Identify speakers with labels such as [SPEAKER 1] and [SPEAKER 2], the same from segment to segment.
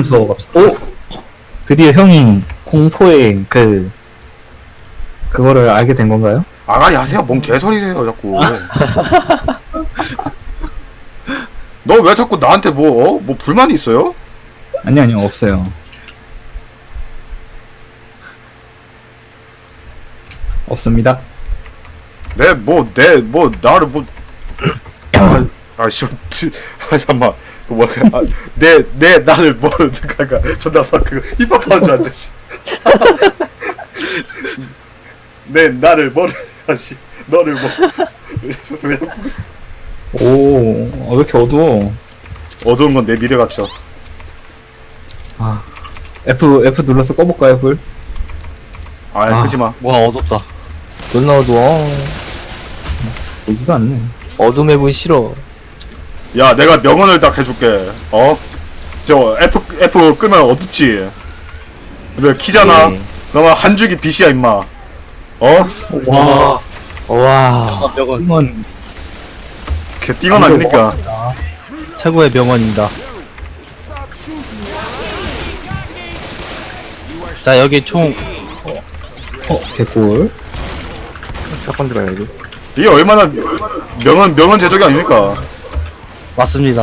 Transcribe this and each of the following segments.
[SPEAKER 1] 하면서 갑시다. 오! 드디어 형이 공포의 그거를 알게 된 건가요?
[SPEAKER 2] 아가리 하세요. 뭔 개소리세요 자꾸. 너 왜 자꾸 나한테 뭐 불만이 있어요?
[SPEAKER 1] 아니요, 없어요. 없습니다.
[SPEAKER 2] 나를 씨발, 잠깐만, 나를 잠깐만, 존나 막 힙합하는 줄 알았네, 씨. 나를 너를 왜 자꾸
[SPEAKER 1] 오, 왜 이렇게 어두워?
[SPEAKER 2] 어두운 건 내 미래 같죠.
[SPEAKER 1] 아, F 눌러서 꺼볼까요, 불?
[SPEAKER 2] 끄지 마.
[SPEAKER 3] 와 어둡다. 존나 어두워.
[SPEAKER 1] 보지도 않네.
[SPEAKER 3] 어둠의 분 싫어.
[SPEAKER 2] 야, 내가 명언을 딱 해줄게. 저 F 끄면 어둡지. 근데 키잖아.
[SPEAKER 3] 네.
[SPEAKER 2] 너가 한 줄기 빛이야, 임마.
[SPEAKER 1] 와,
[SPEAKER 3] 와
[SPEAKER 1] 이건
[SPEAKER 2] 걔 띵은 아니니까.
[SPEAKER 3] 최고의 명언입니다. 자 여기 총
[SPEAKER 1] 개꿀.
[SPEAKER 3] 샷건 들어야지.
[SPEAKER 2] 이게 얼마나 명언 제적이 아닙니까?
[SPEAKER 3] 맞습니다.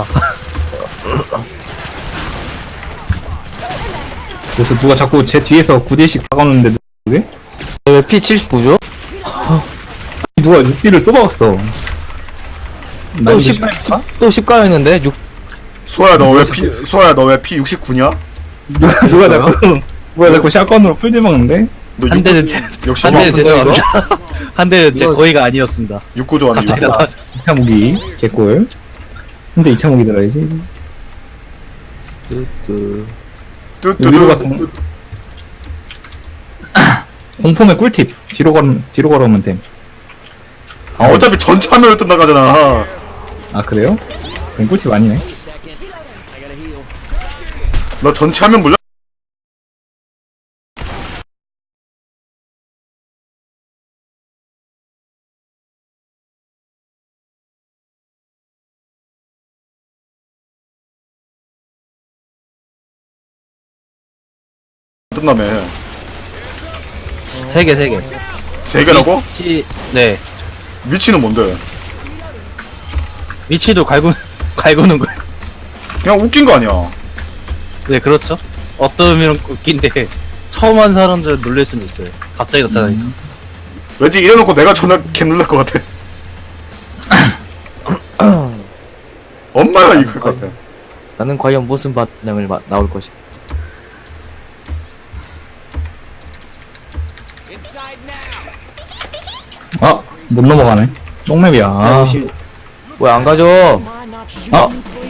[SPEAKER 1] 그래서 누가 자꾸 제 뒤에서 9딜씩 박아놓는데 누구게?
[SPEAKER 3] 왜 P79죠?
[SPEAKER 1] 누가 6딜을 또 박았어.
[SPEAKER 3] 또 10, 또 10가였는데 6
[SPEAKER 2] 소야 너 왜 P 69냐?
[SPEAKER 1] 누가 자꾸 샷건으로 풀딜 박는데?
[SPEAKER 2] 너
[SPEAKER 3] 한 대는
[SPEAKER 2] 역시
[SPEAKER 3] 한 대는
[SPEAKER 1] 뭐
[SPEAKER 3] 죄송합니다. 한 대는 제 거의가 아니었습니다.
[SPEAKER 2] 69 좋아하는
[SPEAKER 3] 갑자기
[SPEAKER 2] 거.
[SPEAKER 3] 나와서
[SPEAKER 1] 2차 무기 개꿀. 근데 2차 무기 들어야지. 요리로 같은 공폼의 꿀팁. 뒤로 걸으면 됨.
[SPEAKER 2] 어차피 전체 화면을 뜬 나가잖아.
[SPEAKER 1] 아 그래요? 그럼 꿀팁 아니네.
[SPEAKER 2] 너 전체 화면 몰라? 뜬다며.
[SPEAKER 3] 3개.
[SPEAKER 2] 3개라고?
[SPEAKER 3] 네.
[SPEAKER 2] 위치는 뭔데?
[SPEAKER 3] 위치도 갈구는 거예요.
[SPEAKER 2] 그냥 웃긴 거 아니야.
[SPEAKER 3] 네 그렇죠. 어떠면 웃긴데 처음 한 사람들은 놀랄 수는 있어요. 갑자기 나타나니까.
[SPEAKER 2] 왠지 이래놓고 내가 존나 개놀랄 것 같아. 엄마가 이걸 것 같아.
[SPEAKER 3] 나는 과연 무슨 반응을 나올 것이.
[SPEAKER 1] 아, 못 넘어가네. 똥맵이야. 아,
[SPEAKER 3] 왜 안 가져?
[SPEAKER 1] 아,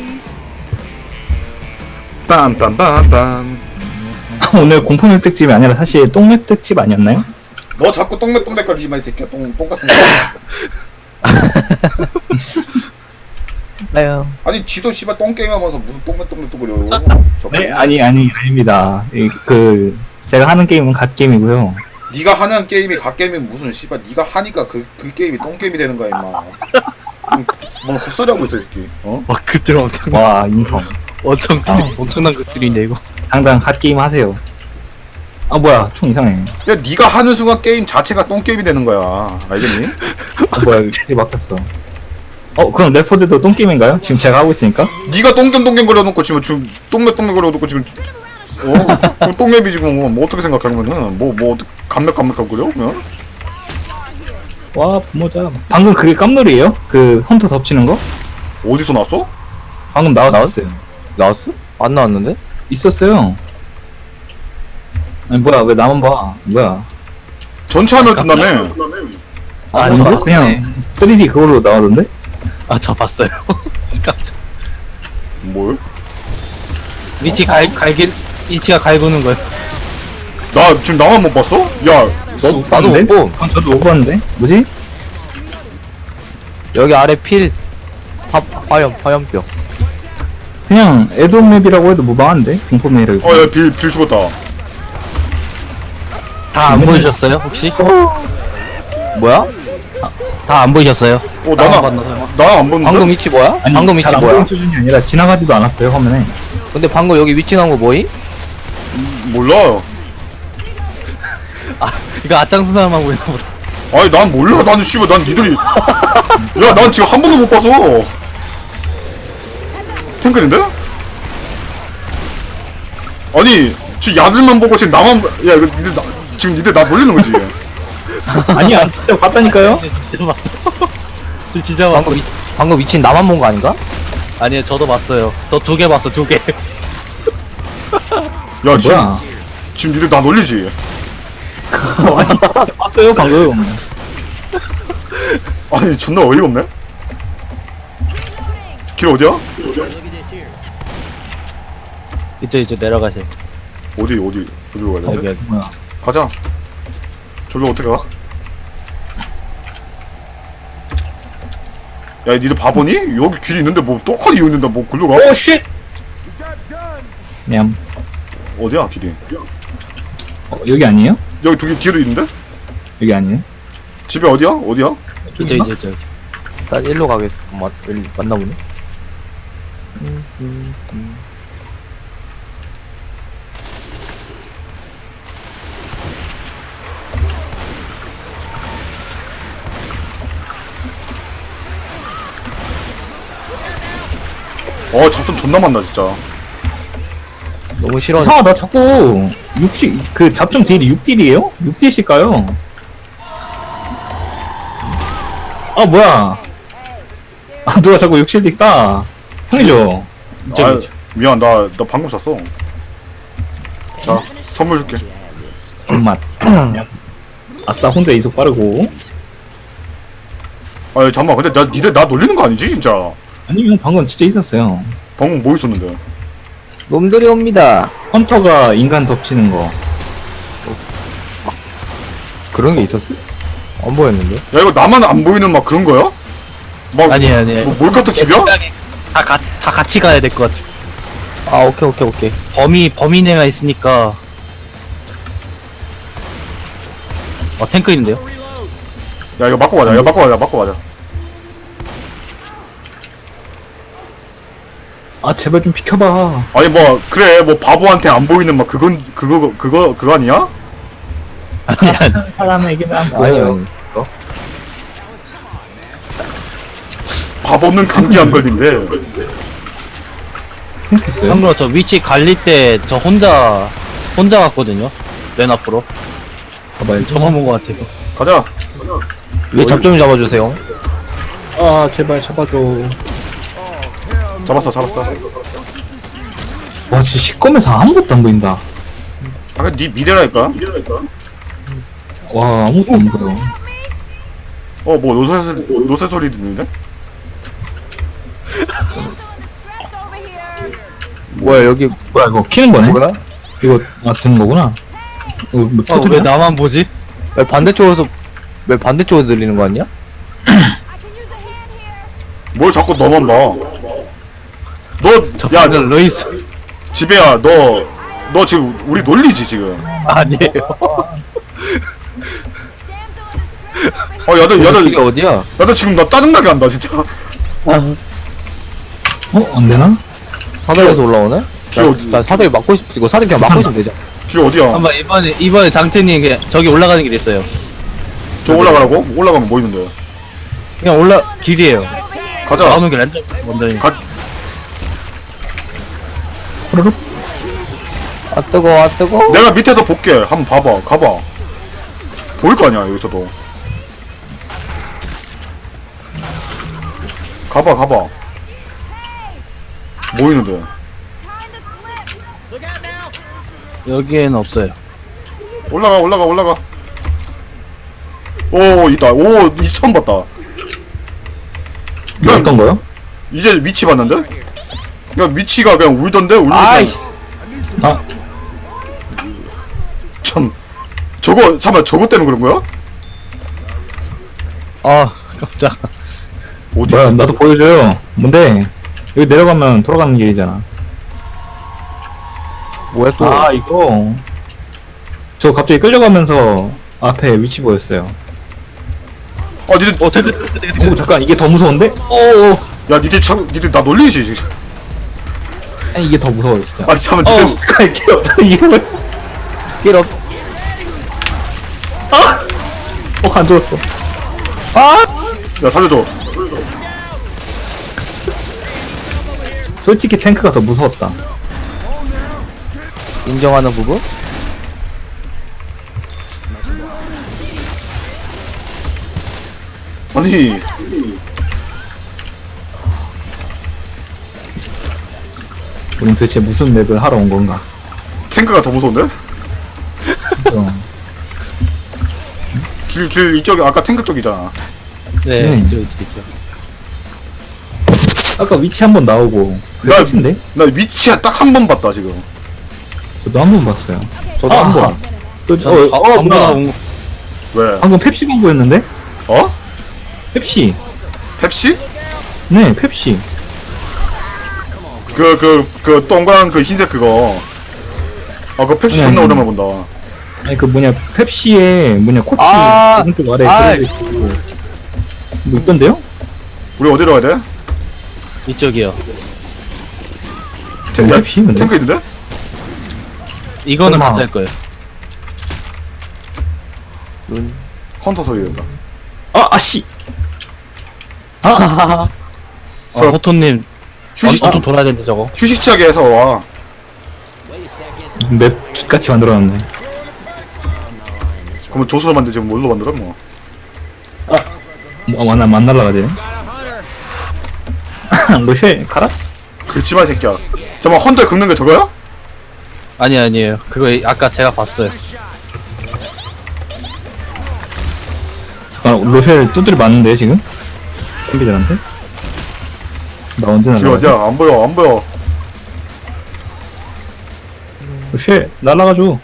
[SPEAKER 2] 빰빰빰빰.
[SPEAKER 1] 오늘 공포맵 특집이 아니라 사실 똥맵 특집 아니었나요?
[SPEAKER 2] 너 자꾸 똥맥거리지 마, 이 새끼야. 똥 같은 거.
[SPEAKER 3] 나요.
[SPEAKER 2] 아니, 지도 씨발 똥게임 하면서 무슨 똥맥거려.
[SPEAKER 1] 네, 아닙니다. 제가 하는 게임은 갓게임이고요.
[SPEAKER 2] 네가 하는 게임이 갓게임이면 무슨 씨발 네가 하니까 그 게임이 똥게임이 되는 거야, 임마. 뭐 헛소리 하고 있어, 이 새끼.
[SPEAKER 3] 와 그들 엄청
[SPEAKER 1] 와, 인성.
[SPEAKER 3] 엄청난 것들이네 이거.
[SPEAKER 1] 당장 갓게임 하세요. 아, 뭐야, 총 이상해.
[SPEAKER 2] 야, 네가 하는 순간 게임 자체가 똥게임이 되는 거야. 알겠니?
[SPEAKER 1] 아, 뭐야, 이게 막혔어. 그럼 레포드도 똥게임인가요? 지금 제가 하고 있으니까?
[SPEAKER 2] 네가 똥겜 거려놓고 지금 똥맥 거려놓고 지금 그럼 똥맵이 지금 뭐 어떻게 생각하면은 뭐 어떻게 감맥하고 그려? 그냥?
[SPEAKER 1] 와, 부모자. 방금 그게 깜놀이에요? 그 헌터 덮치는 거?
[SPEAKER 2] 어디서 났어?
[SPEAKER 1] 방금 나왔었어요.
[SPEAKER 3] 나왔어? 안 나왔는데?
[SPEAKER 1] 있었어요. 아니, 뭐야, 왜 나만 봐. 뭐야.
[SPEAKER 2] 전체 화면 뜬다며.
[SPEAKER 1] 아닌데?
[SPEAKER 3] 봤네.
[SPEAKER 1] 그냥 3D 그걸로 나오던데?
[SPEAKER 3] 아 저 봤어요. 깜짝.
[SPEAKER 2] 뭘?
[SPEAKER 3] 위치가 갈구는 거예요.
[SPEAKER 2] 나 지금 나만 못 봤어? 야,
[SPEAKER 3] 나도 못 보.
[SPEAKER 1] 그건 저도 못 봤는데? 뭐지?
[SPEAKER 3] 여기 아래 필 화염뼈.
[SPEAKER 1] 그냥 애드맵이라고 해도 무방한데? 공포맵이라고.
[SPEAKER 2] 야, 빌 죽었다.
[SPEAKER 3] 다 안 보이셨어요 혹시?
[SPEAKER 1] 어?
[SPEAKER 3] 뭐야? 다 안 보이셨어요?
[SPEAKER 2] 나는
[SPEAKER 3] 안 봤나?
[SPEAKER 2] 나안 봤는데.
[SPEAKER 4] 방금 위치 뭐야?
[SPEAKER 1] 아니
[SPEAKER 4] 방금 위치
[SPEAKER 1] 잘안
[SPEAKER 4] 뭐야?
[SPEAKER 1] 보이는 수준이 아니라 지나가지도 않았어요 화면에.
[SPEAKER 4] 근데 방금 여기 위치 나온 거 뭐임?
[SPEAKER 2] 몰라.
[SPEAKER 3] 이거 앞장서 사람만 보이나 보다.
[SPEAKER 2] 아니 난 몰라. 나는 씨발 난 니들이. 야 난 지금 한 번도 못 봐서. 탱크인데? 아니 지금 야들만 보고 지금 나만 야 이거 니들 지금 니들 나 놀리는 거지.
[SPEAKER 1] 아니야 진짜 봤다니까요.
[SPEAKER 3] 진짜 봤어. 저 진짜 봤어.
[SPEAKER 4] 방금 위치 나만 본 거 아닌가?
[SPEAKER 3] 아니요, 저도 봤어요. 저 2개 봤어, 2개.
[SPEAKER 2] 야 지금
[SPEAKER 1] 뭐야?
[SPEAKER 2] 지금 니들 나 놀리지.
[SPEAKER 1] 아니 봤어요 방금.
[SPEAKER 2] 아니 존나 어이가 없네. 길 어디야?
[SPEAKER 3] 이제 내려가세요.
[SPEAKER 2] 어디로 가야 돼?
[SPEAKER 3] 여기.
[SPEAKER 1] 뭐야?
[SPEAKER 2] 가자. 저기로 어떻게 가? 야 니들 바보니? 여기 길이 있는데 뭐 똑같이 있는데 뭐 글로 가?
[SPEAKER 1] 오 쉣. 냠.
[SPEAKER 2] 어디야 길이?
[SPEAKER 1] 여기 아니에요?
[SPEAKER 2] 여기 두 개 뒤에도 있는데?
[SPEAKER 1] 여기 아니에요?
[SPEAKER 2] 집에 어디야? 어디야?
[SPEAKER 3] 이제 저.
[SPEAKER 4] 난 일로 가겠어. 맞나 보네.
[SPEAKER 2] 잡좀 존나 많다 진짜.
[SPEAKER 4] 너무 싫어.
[SPEAKER 1] 이상하다 자꾸 6딜 그 잡종 딜이 6딜이에요? 6딜씩가요? 아 뭐야? 아 누가 자꾸 6딜 까? 형이죠?
[SPEAKER 2] 아, 미안 나 방금 샀어. 자 선물 줄게.
[SPEAKER 1] 맛. 아싸 혼자 이속 빠르고.
[SPEAKER 2] 아니 잠깐만 근데 니들 나 놀리는 거 아니지 진짜?
[SPEAKER 1] 아니면 방금 진짜 있었어요.
[SPEAKER 2] 방금 뭐 있었는데?
[SPEAKER 4] 놈들이 옵니다.
[SPEAKER 1] 헌터가 인간 덮치는 거.
[SPEAKER 4] 그런 게 있었어? 안 보였는데?
[SPEAKER 2] 야 이거 나만 안 보이는 막 그런 거야? 막
[SPEAKER 3] 아니에요.
[SPEAKER 2] 뭐 몰카떡 집이야?
[SPEAKER 3] 다 같이 가야 될 것 같아.
[SPEAKER 4] 아, 오케이.
[SPEAKER 3] 범인애가 있으니까. 탱크 있는데요?
[SPEAKER 2] 야 이거 맞고 가자. 야 맞고 가자.
[SPEAKER 1] 아 제발 좀 비켜봐.
[SPEAKER 2] 아니 뭐 그래 뭐 바보한테 안 보이는 막 그거 아니야?
[SPEAKER 1] 사람에게는 안
[SPEAKER 4] 아니,
[SPEAKER 1] 보여요.
[SPEAKER 4] 아니.
[SPEAKER 2] 바보는 감기 안 걸린대.
[SPEAKER 1] 생각했어요?
[SPEAKER 3] 참고로 저 위치 갈릴 때 저 혼자 갔거든요. 맨 앞으로.
[SPEAKER 1] 봐봐요.
[SPEAKER 3] 저만 본 것 같아요.
[SPEAKER 2] 가자.
[SPEAKER 4] 왜 잡좀 잡아주세요.
[SPEAKER 1] 아 제발 잡아줘.
[SPEAKER 2] 잡았어.
[SPEAKER 1] 와 진짜 시꺼매서 아무것도 안 보인다.
[SPEAKER 2] 아까 네 미래라니까.
[SPEAKER 1] 와 아무것도 안 보여.
[SPEAKER 2] 뭐 노새 소리 듣는데?
[SPEAKER 4] 뭐야, 여기,
[SPEAKER 1] 뭐야 이거 키는 거네?
[SPEAKER 4] 뭐야?
[SPEAKER 1] 이거 드는 거구나. 이거 뭐
[SPEAKER 3] 왜
[SPEAKER 1] 터트려?
[SPEAKER 3] 나만 보지?
[SPEAKER 4] 왜 반대쪽에서 들리는 거 아니야?
[SPEAKER 2] 뭘 자꾸 너만 봐.
[SPEAKER 3] 저
[SPEAKER 2] 야
[SPEAKER 3] 방금 루이스.
[SPEAKER 2] 지배야 너 지금 우리 놀리지 지금.
[SPEAKER 3] 아니에요.
[SPEAKER 4] 이게 어디야?
[SPEAKER 2] 야너 지금 나 짜증나게 한다 진짜.
[SPEAKER 1] 안 되나?
[SPEAKER 4] 사다리에서 올라오네?
[SPEAKER 2] 길 어디?
[SPEAKER 4] 자, 사다리 막고 이거 사다리 그냥 막고 있으면 되죠.
[SPEAKER 2] 길 어디야?
[SPEAKER 3] 한번 이번에 장태님 그냥 저기 올라가는 길 있어요.
[SPEAKER 2] 저 올라가라고? 올라가면 뭐 있는데?
[SPEAKER 3] 그냥 길이에요.
[SPEAKER 2] 가자.
[SPEAKER 3] 나오는 길 완전 완전히.
[SPEAKER 1] 후루룩?
[SPEAKER 4] 아, 뜨거.
[SPEAKER 2] 내가 밑에서 볼게. 한번 봐봐. 가봐. 보일 거 아니야 여기서도. 가봐. 뭐 있는데?
[SPEAKER 3] 여기에는 없어요.
[SPEAKER 2] 올라가. 오 있다. 오 이 처음 봤다.
[SPEAKER 1] 이거 어떤 거요?
[SPEAKER 2] 이제 위치 봤는데? 야 위치가 그냥 울던데
[SPEAKER 4] 아이.
[SPEAKER 1] 아
[SPEAKER 2] 참 잠깐만 저거 때문에 그런 거야?
[SPEAKER 3] 아 깜짝.
[SPEAKER 2] 어디?
[SPEAKER 1] 뭐야 나도 보여줘요. 뭔데? 여기 내려가면 돌아가는 길이잖아.
[SPEAKER 4] 뭐야, 또.
[SPEAKER 1] 아 이거 저 갑자기 끌려가면서 앞에 위치 보였어요.
[SPEAKER 2] 아 니들
[SPEAKER 1] 오 잠깐 이게 더 무서운데? 오
[SPEAKER 2] 야 니들 나 놀리지 지금.
[SPEAKER 1] 아니 이게 더 무서워요 진짜.
[SPEAKER 2] 아니 잠깐만 니들
[SPEAKER 1] 갈게 없어 이게 뭐야?
[SPEAKER 4] 힐업.
[SPEAKER 1] 안 죽었어.
[SPEAKER 2] 야 살려줘.
[SPEAKER 1] 솔직히 탱크가 더 무서웠다.
[SPEAKER 4] 인정하는 부분?
[SPEAKER 2] 아니
[SPEAKER 1] 우린 도대체 무슨 맵을 하러 온 건가?
[SPEAKER 2] 탱크가 더 무서운데?
[SPEAKER 1] 어.
[SPEAKER 2] 길 이쪽이 아까 탱크 쪽이잖아.
[SPEAKER 3] 네,
[SPEAKER 1] 음.
[SPEAKER 3] 있죠.
[SPEAKER 1] 아까 위치 한 번 나오고
[SPEAKER 2] 나-
[SPEAKER 1] 그게 끝인데?
[SPEAKER 2] 나 위치에 딱 한 번 봤다 지금.
[SPEAKER 1] 저도 한 번 봤어요.
[SPEAKER 4] 저도 한 번.
[SPEAKER 3] 저는 방금
[SPEAKER 1] 뭐야.
[SPEAKER 3] 온
[SPEAKER 2] 왜?
[SPEAKER 1] 방금 펩시 광고였는데?
[SPEAKER 2] 어?
[SPEAKER 1] 펩시.
[SPEAKER 2] 펩시?
[SPEAKER 1] 네, 펩시.
[SPEAKER 2] 그 동그란 그 흰색 그거. 아 그 펩시
[SPEAKER 1] 아니,
[SPEAKER 2] 존나
[SPEAKER 1] 아니.
[SPEAKER 2] 오랜만에 본다.
[SPEAKER 1] 아니 그 뭐냐 펩시에 뭐냐 코치
[SPEAKER 4] 아,
[SPEAKER 1] 오른쪽 아래
[SPEAKER 4] 아이.
[SPEAKER 1] 들어있고 뭐 있던데요?
[SPEAKER 2] 우리 어디로 가야 돼?
[SPEAKER 3] 이쪽이요.
[SPEAKER 2] 탱, 야,
[SPEAKER 1] 펩시 근데?
[SPEAKER 2] 탱크 있는데?
[SPEAKER 3] 이거는
[SPEAKER 1] 설마.
[SPEAKER 3] 가짜일 거예요.
[SPEAKER 2] 헌터 소리 된다.
[SPEAKER 1] 아씨.
[SPEAKER 3] 호토님
[SPEAKER 2] 휴식
[SPEAKER 3] 좀 돌아야 되는데 저거.
[SPEAKER 2] 휴식지하게 해서 와.
[SPEAKER 1] 맵 같이 만들어놨네.
[SPEAKER 2] 그러면 조수로 만들지 뭘로 만들어 뭐.
[SPEAKER 1] 안 날라가지. 로쉘 가라?
[SPEAKER 2] 긁지마 이 새끼야. 잠깐만 헌터에 긁는 게 저거야?
[SPEAKER 3] 아니에요. 그거 아까 제가 봤어요.
[SPEAKER 1] 잠깐 로쉘 두드려 맞는데 지금? 챔비들한테? 나 언제
[SPEAKER 2] 길
[SPEAKER 1] 날라가?
[SPEAKER 2] 어디야? 안 보여 안 보여.
[SPEAKER 1] 로쉘 날라가줘.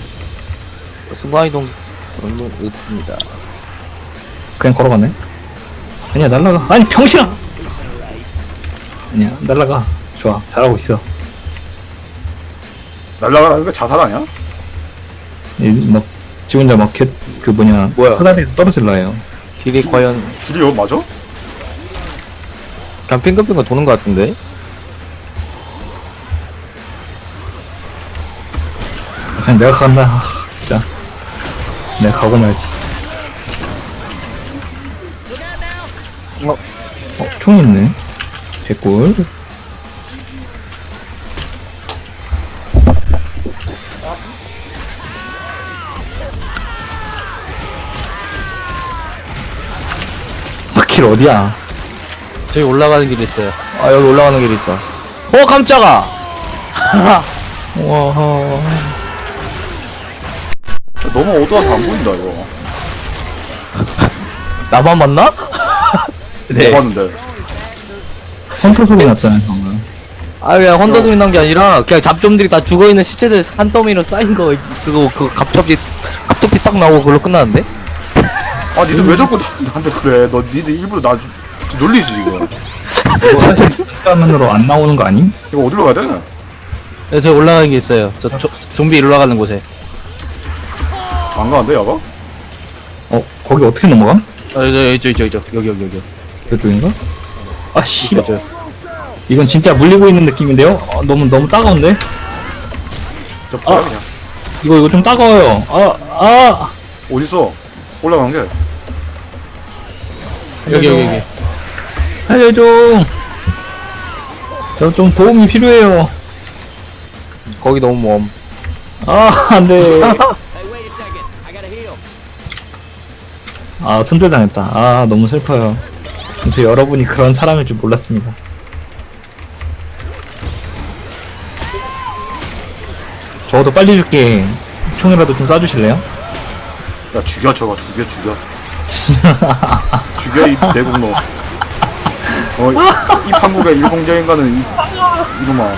[SPEAKER 4] 순간이동 물론 없습니다.
[SPEAKER 1] 그냥 걸어가네. 아니야 날라가. 아니 병신아. 아니야 날라가. 좋아 잘하고 있어.
[SPEAKER 2] 날라가라는 거 자살 아니야?
[SPEAKER 1] 막 지 혼자 막 그 뭐냐
[SPEAKER 4] 뭐야?
[SPEAKER 1] 사다리에서 떨어질라 해요.
[SPEAKER 4] 길이 과연
[SPEAKER 2] 길이 여기 맞아?
[SPEAKER 4] 그냥 핑크핑크 도는 것 같은데?
[SPEAKER 1] 그냥 내가 간다. 진짜 내가 가고 말지. 총 있네. 개꿀. 길 어디야?
[SPEAKER 3] 저기 올라가는 길이 있어요.
[SPEAKER 4] 아 여기 올라가는 길이 있다. 깜짝아!
[SPEAKER 1] 와.
[SPEAKER 2] 너무 어두워서 안 보인다 이거.
[SPEAKER 4] 나만 봤나?
[SPEAKER 3] 네.
[SPEAKER 2] 뭐 봤는데?
[SPEAKER 1] 헌터 소리 났잖아요 방금.
[SPEAKER 4] 아 그냥 헌터 소리 난 게 아니라 그냥 잡종들이 다 죽어있는 시체들 한 더미로 쌓인 거 그거 갑자기 딱 나오고 그걸로 끝나는데?
[SPEAKER 2] 아 니들 왜 자꾸 나한테 그래? 너 니들 일부러 나 놀리지 지금.
[SPEAKER 1] 이거 사실 화면으로 안 나오는 거 아님?
[SPEAKER 2] 이거 어디로 가야 돼?
[SPEAKER 3] 네, 저기 올라가는 게 있어요. 좀비 올라가는 곳에.
[SPEAKER 2] 안 가는데 야가?
[SPEAKER 1] 거기 어떻게 넘어감?
[SPEAKER 3] 여기.
[SPEAKER 1] 이쪽인가? 아 씨발.
[SPEAKER 3] 저.
[SPEAKER 1] 이건 진짜 물리고 있는 느낌인데요? 너무 따가운데?
[SPEAKER 2] 저 뭐야 그냥.
[SPEAKER 1] 이거 좀 따가워요.
[SPEAKER 2] 어딨어? 올라가는 게.
[SPEAKER 3] 여기.
[SPEAKER 1] 살려줘. 저 좀 도움이 필요해요.
[SPEAKER 4] 거기 너무 먼.
[SPEAKER 1] 안돼. 손절당했다. 너무 슬퍼요. 저 여러분이 그런 사람일 줄 몰랐습니다. 저도 빨리 줄게. 총이라도 좀 쏴주실래요?
[SPEAKER 2] 야 죽여 저거 죽여. 죽여 이 대국노. 이 판국의 일공자인가는 이놈아.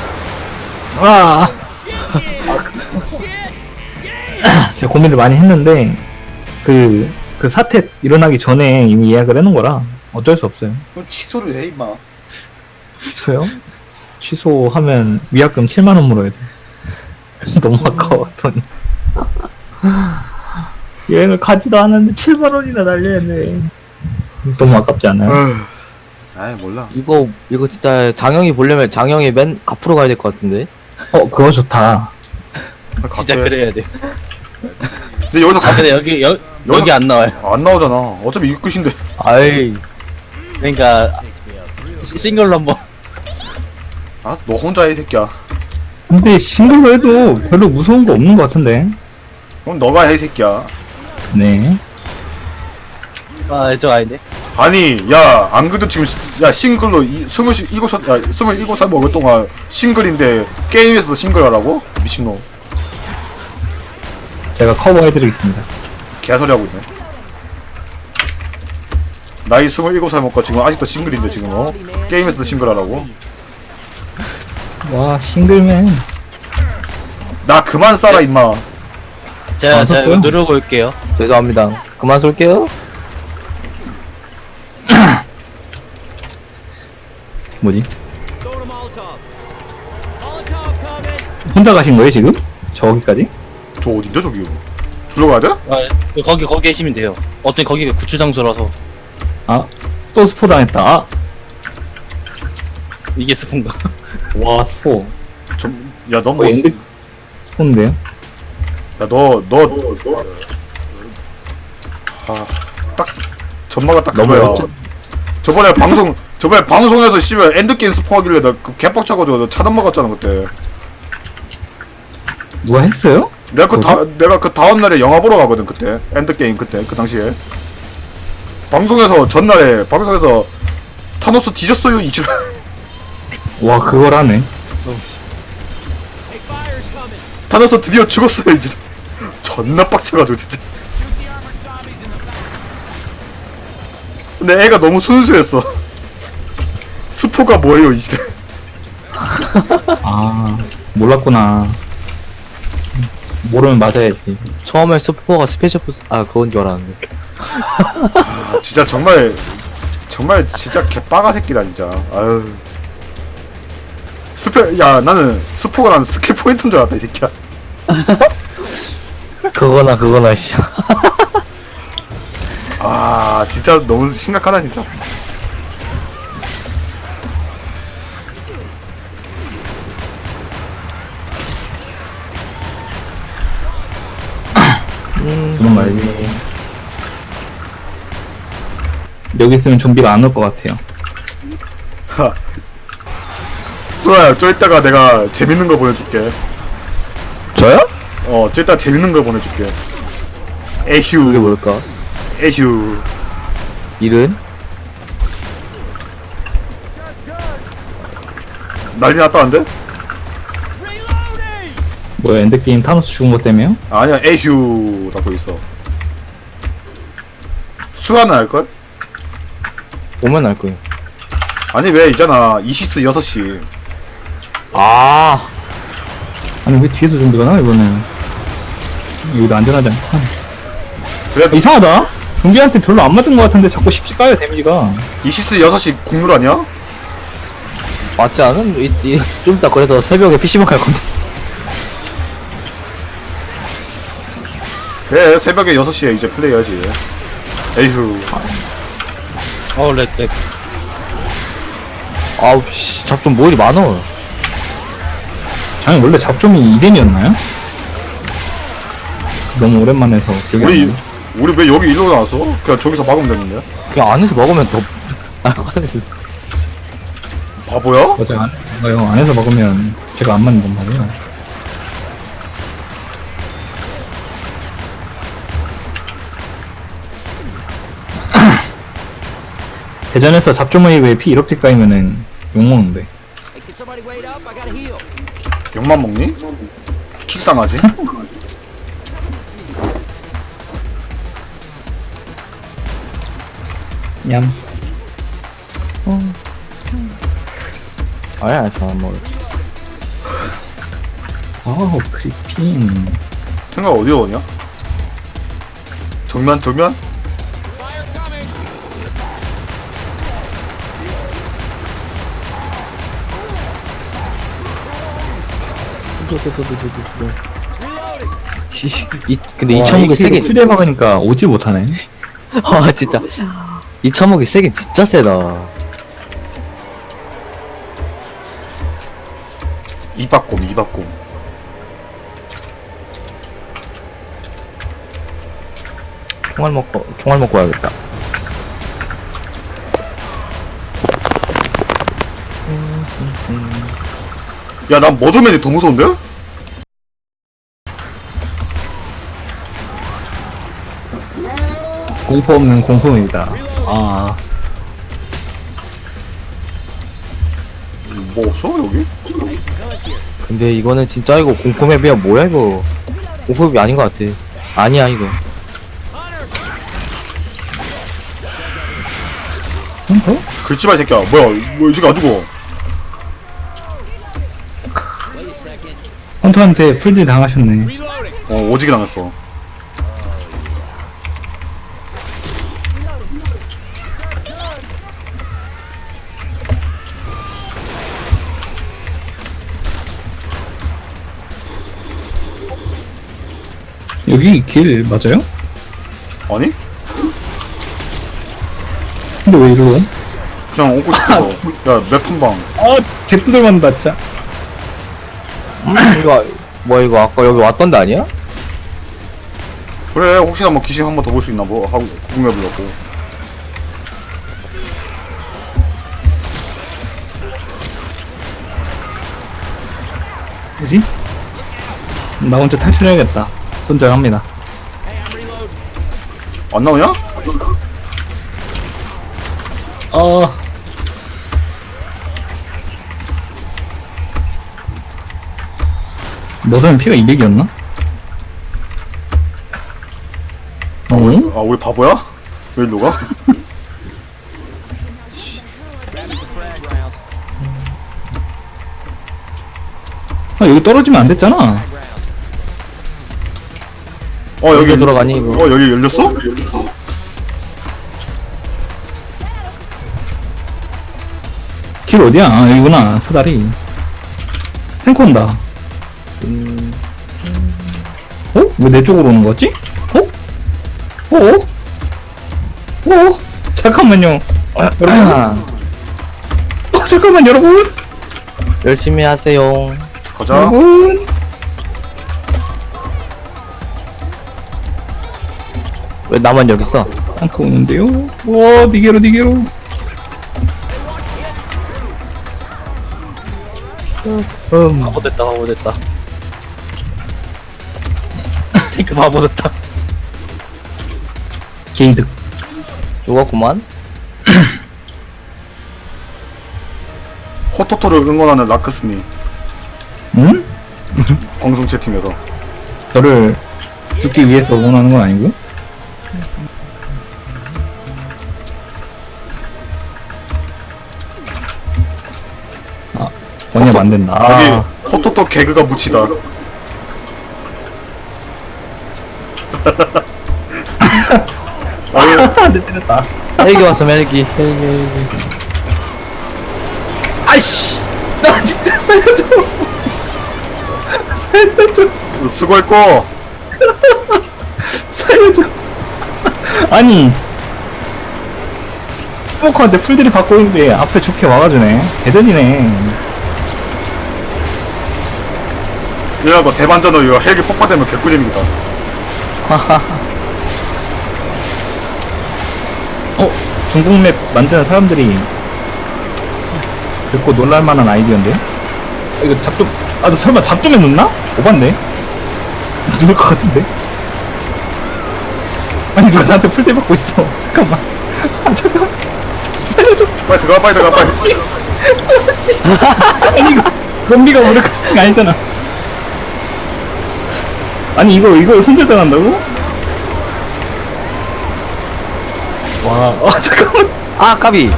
[SPEAKER 1] 제가 고민을 많이 했는데 그 사태 일어나기 전에 이미 예약을 해놓은 거라 어쩔 수 없어요.
[SPEAKER 2] 그럼 취소를 해 임마.
[SPEAKER 1] 취소요? 취소하면 위약금 7만원 물어야 돼. 너무 아까워 돈이. 여행을 가지도 않았는데 7만원이나 날려야 돼. 너무 아깝지 않아요?
[SPEAKER 2] 아이 몰라.
[SPEAKER 4] 이거 진짜 장영이 보려면 장영이 맨 앞으로 가야 될 것 같은데.
[SPEAKER 1] 그거 좋다.
[SPEAKER 3] 진짜
[SPEAKER 2] 갈게.
[SPEAKER 3] 그래야 돼.
[SPEAKER 2] 근데 여기서
[SPEAKER 3] 아 근데 여기 안 나와요.
[SPEAKER 2] 안 나오잖아. 어차피 이 끝인데.
[SPEAKER 4] 아이,
[SPEAKER 3] 그러니까 싱글로 한번.
[SPEAKER 2] 아, 너 혼자 해, 이 새끼야.
[SPEAKER 1] 근데 싱글로 해도 별로 무서운 거 없는 것 같은데.
[SPEAKER 2] 그럼 너가 해, 이 새끼야.
[SPEAKER 1] 네.
[SPEAKER 3] 아 저 아닌데.
[SPEAKER 2] 아니, 야, 안 그래도 지금, 야, 싱글로 27살 먹을 동안 싱글인데, 게임에서도 싱글 하라고? 미친놈.
[SPEAKER 1] 제가 커버해드리겠습니다.
[SPEAKER 2] 개소리 하고 있네. 나이 27살 먹고 지금 아직도 싱글인데, 지금, 게임에서도 싱글 하라고?
[SPEAKER 1] 와, 싱글맨.
[SPEAKER 2] 나 그만 싸라, 임마.
[SPEAKER 3] 제가
[SPEAKER 1] 안
[SPEAKER 3] 이거
[SPEAKER 1] 썼어요?
[SPEAKER 3] 누르고 올게요.
[SPEAKER 4] 죄송합니다. 그만 쏠게요.
[SPEAKER 1] 뭐지? 혼자 가신 거예요, 지금? 저기까지?
[SPEAKER 2] 저 어딘데, 저기? 저기로 가야 돼?
[SPEAKER 3] 아 거기 계시면 돼요. 어차피 거기가 구출 장소라서
[SPEAKER 1] 아, 또 스포 당했다. 아,
[SPEAKER 3] 이게 스폰가.
[SPEAKER 1] 와, 스포.
[SPEAKER 2] 야, 너 뭐,
[SPEAKER 1] 엔드 스포인데요?
[SPEAKER 2] 야, 딱, 전마가 딱
[SPEAKER 4] 너무
[SPEAKER 2] 그거야.
[SPEAKER 4] 어렵지?
[SPEAKER 2] 저번에 방송에서 씨발 엔드게임 스포하길래 나 그 개빡쳐가지고 너 차단 막았잖아, 그때.
[SPEAKER 1] 누가 했어요?
[SPEAKER 2] 내가 그 다음날에 영화 보러 가거든, 그때. 엔드게임 그때, 그 당시에. 방송에서 타노스 뒤졌어요, 이줄.
[SPEAKER 1] 와, 그걸 하네.
[SPEAKER 2] 타노스 드디어 죽었어요, 이줄. 존나 빡쳐가지고, 진짜. 근데 애가 너무 순수했어. 스포가 뭐예요, 이줄.
[SPEAKER 1] 아, 몰랐구나. 모르면 맞아야지.
[SPEAKER 4] 처음에 스포가 스페셜 포스, 그건 줄 알았는데.
[SPEAKER 2] 아, 진짜 정말 진짜 개빠가 새끼다, 진짜. 아유. 나는 스포가 난 스킬 포인트인 줄 알았다, 이 새끼야.
[SPEAKER 4] 그거나, 씨.
[SPEAKER 2] 아, 진짜 너무 심각하다, 진짜.
[SPEAKER 1] 저런 말지. 여기 있으면 좀비가 안 올 것 같아요.
[SPEAKER 2] 수아야, 저 이따가 내가 재밌는 거 보내줄게.
[SPEAKER 4] 저요?
[SPEAKER 2] 저 이따 재밌는 거 보내줄게.
[SPEAKER 4] 그게
[SPEAKER 2] 에휴,
[SPEAKER 4] 뭘까?
[SPEAKER 2] 에휴.
[SPEAKER 4] 일은?
[SPEAKER 2] 난리 났다는데?
[SPEAKER 1] 뭐야, 엔드게임 타노스 죽은 것 때문에요?
[SPEAKER 2] 아니야, 에휴. 라고 있어. 수아는 알걸?
[SPEAKER 4] 오면 알 거예요.
[SPEAKER 2] 아니, 왜 있잖아. 이시스 6시.
[SPEAKER 1] 아니, 왜 뒤에서 좀비가 나, 이거는? 여기도 안전하지 않다.
[SPEAKER 2] 그래,
[SPEAKER 1] 이상하다? 좀비한테 별로 안 맞은 것 같은데 자꾸 쉽지 까요, 데미지가.
[SPEAKER 2] 이시스 6시 국룰 아니야?
[SPEAKER 4] 맞지 않은? 좀 이따 그래서 새벽에 PC방 갈 건데.
[SPEAKER 2] 그래, 새벽에 6시에 이제 플레이해야지. 에휴.
[SPEAKER 3] 렉.
[SPEAKER 4] 아우, 씨. 잡좀 뭐 이리 많어.
[SPEAKER 1] 아니, 원래 잡점이 2덴이었나요? 너무 오랜만에 해서 기억이 안 나네.
[SPEAKER 2] 우리 왜 여기 일로 나왔어? 그냥 저기서 막으면 되는데.
[SPEAKER 4] 그냥 안에서 먹으면 더, 안에서.
[SPEAKER 2] 바보야?
[SPEAKER 1] 맞아요. 안에서 먹으면 제가 안 맞는 건 말이에요. 대전에서 잡조머리 왜 피 1억씩 까이면은 욕먹는데.
[SPEAKER 2] 욕만 먹니? 킥상하지?
[SPEAKER 1] 냠.
[SPEAKER 4] 아니야, 저안 먹어.
[SPEAKER 1] 아우, 크리핀.
[SPEAKER 2] 생각 어디로 오냐? 정면?
[SPEAKER 4] 근데 이 천국에 세개
[SPEAKER 1] 휴대 막으니까 오지 못하네.
[SPEAKER 4] 진짜. 이 처먹이 세긴 진짜 세다.
[SPEAKER 2] 이박곰 이박곰.
[SPEAKER 4] 총알 먹고 와야겠다.
[SPEAKER 2] 야, 난 머드맨이 더 무서운데?
[SPEAKER 1] 공포 없는 공포입니다. 아,
[SPEAKER 2] 뭐 없어 여기?
[SPEAKER 4] 근데 이거는 진짜 이거 공포맵이야 뭐야 이거. 공포맵이 아닌 것 같아. 아니야 이거.
[SPEAKER 1] 공포?
[SPEAKER 2] 글씨발 새끼야. 뭐야? 뭐 이 새끼 안 죽어?
[SPEAKER 1] 헌터한테 풀딜 당하셨네.
[SPEAKER 2] 오지게 당했어.
[SPEAKER 1] 여기 길 맞아요?
[SPEAKER 2] 아니?
[SPEAKER 1] 근데 왜 이리로? 옴?
[SPEAKER 2] 그냥 오고 싶어서. 야, 맵 한 방.
[SPEAKER 1] 아, 개뚜들 맞는다 진짜.
[SPEAKER 4] 이거 뭐야 이거 아까 여기 왔던 데 아니야?
[SPEAKER 2] 그래, 혹시나 뭐 귀신 한 번 더 볼 수 있나 뭐 하고 구경해보려고.
[SPEAKER 1] 뭐지? 나 혼자 탈출해야겠다. 손절합니다.
[SPEAKER 2] 안 나오냐?
[SPEAKER 1] 너는 피가 200이었나? 어?
[SPEAKER 2] 아, 우리 바보야? 왜 일로 가?
[SPEAKER 1] 아, 여기 떨어지면 안 됐잖아.
[SPEAKER 2] 여기
[SPEAKER 4] 어디로 들어가니, 이거?
[SPEAKER 2] 여기 열렸어?
[SPEAKER 1] 길 어디야? 아, 여기구나. 사다리. 탱크 온다. 어? 왜 내 쪽으로 오는 거지? 어? 어? 어? 잠깐만요. 여러분. 잠깐만, 여러분.
[SPEAKER 4] 열심히 하세요.
[SPEAKER 2] 가자.
[SPEAKER 1] 여러분.
[SPEAKER 4] 왜 나만 여기 있어?
[SPEAKER 1] 탱크 오는데요? 와, 니게로, 니게로.
[SPEAKER 3] 바보 됐다, 바보 됐다. 탱크 바보 됐다.
[SPEAKER 1] 게이득.
[SPEAKER 4] 죽었구만.
[SPEAKER 2] 호토토를 응원하는 라크스니
[SPEAKER 1] 응?
[SPEAKER 2] 방송 채팅에서.
[SPEAKER 1] 저를 죽기 위해서 응원하는 건 아니고? 아, 원협 안 된다.
[SPEAKER 2] 여기
[SPEAKER 1] 아,
[SPEAKER 2] 호토토 개그가 묻히다.
[SPEAKER 1] 내 때렸다.
[SPEAKER 4] 헬기 왔어 헬기. 헬기.
[SPEAKER 1] 아이씨! 나 진짜 살려줘! 살려줘!
[SPEAKER 2] 수고했고.
[SPEAKER 1] 살려줘! 아니! 스모커한테 풀들이 받고 있는데 앞에 좋게 와가주네. 대전이네.
[SPEAKER 2] 이거 대반전으로 이거 헬기 폭파되면 개꿀잼이다.
[SPEAKER 1] 중국 맵 만드는 사람들이 듣고 놀랄만한 아이디어인데? 이거 잡 좀, 너 설마 잡 좀 해놓나? 오반데? 누울 것 같은데? 아니, 누가 나한테 풀대 받고 있어. 잠깐만. 아, 잠깐만. 살려줘.
[SPEAKER 2] 빨리 들어가, 빨리 들어가, 빨리.
[SPEAKER 1] 아니, 이거, 좀비가 무력하신 거 아니잖아. 아니, 이거 손절당한다고? 와, 잠깐만.
[SPEAKER 4] 아 까비.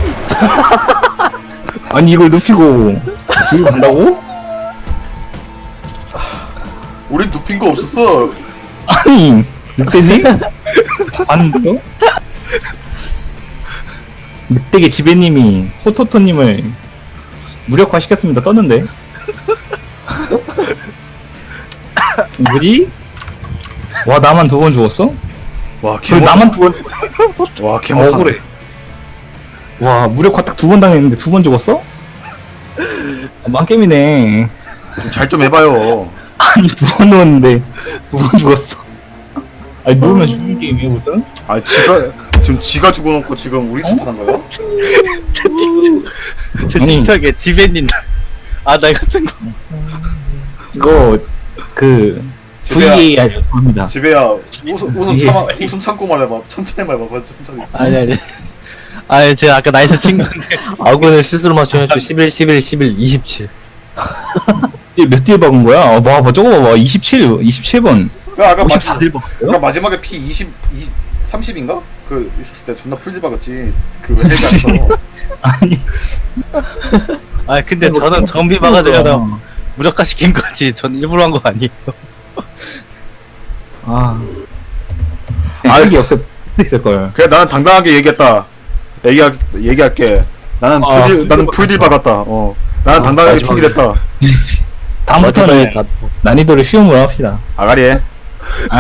[SPEAKER 1] 아니, 이걸 눕히고, 뒤로 간다고?
[SPEAKER 2] 우린 눕힌 거 없었어.
[SPEAKER 1] 아니, 늑대님? 봤는데요? 늑대계 지배님이 호토토님을 무력화시켰습니다. 떴는데? 뭐지? 와, 나만 2번 죽었어?
[SPEAKER 2] 와,
[SPEAKER 1] 왜 나만 2번 죽었어?
[SPEAKER 2] 와, 개못하네.
[SPEAKER 1] 억울해. 와 무력화 딱 2번 당했는데 2번 죽었어? 망게임이네.
[SPEAKER 2] 잘 좀 해봐요.
[SPEAKER 1] 아니 2번 누웠는데 2번 죽었어. 아니 누우면 죽는 게임이야 무슨?
[SPEAKER 2] 아 지가 죽어놓고 지금 우리 탓하는 거야?
[SPEAKER 3] 제
[SPEAKER 1] 아니.
[SPEAKER 3] 틱톡에 지배님 나 이거 쓴거
[SPEAKER 1] 이거 그
[SPEAKER 2] 지배야.
[SPEAKER 1] VAR 합니다.
[SPEAKER 2] 지배야 웃음 참고 말해봐. 천천히 말해봐. 천천히.
[SPEAKER 3] 아니 제가 아까 나이스 친 건데
[SPEAKER 4] 아군을 스스로 맞춰야죠. 11, 11, 11, 27.
[SPEAKER 1] 몇 딜 박은 거야? 봐 저거 봐봐 27번
[SPEAKER 2] 아까
[SPEAKER 1] 54딜 박았어요?
[SPEAKER 2] 마지막에 피 30인가? 그 있었을 때 존나 풀딜 박았지. 그 외대에서.
[SPEAKER 1] 아니
[SPEAKER 3] 근데
[SPEAKER 1] 뭐
[SPEAKER 3] 저는
[SPEAKER 1] 진짜
[SPEAKER 3] 정비 막아주려다 무력화 시킨 거지 전 일부러 한 거 아니에요.
[SPEAKER 1] 아 여기 옆에 있을걸.
[SPEAKER 2] 그래 나는 당당하게 얘기했다. 얘기할게. 나는
[SPEAKER 1] 아,
[SPEAKER 2] 나는 풀딜 박았다. 나는 당당하게
[SPEAKER 4] 마지막에.
[SPEAKER 2] 총기됐다.
[SPEAKER 1] 다음부터는
[SPEAKER 4] 마지막에
[SPEAKER 1] 난이도를 쉬움으로 합시다.
[SPEAKER 2] 아가리에.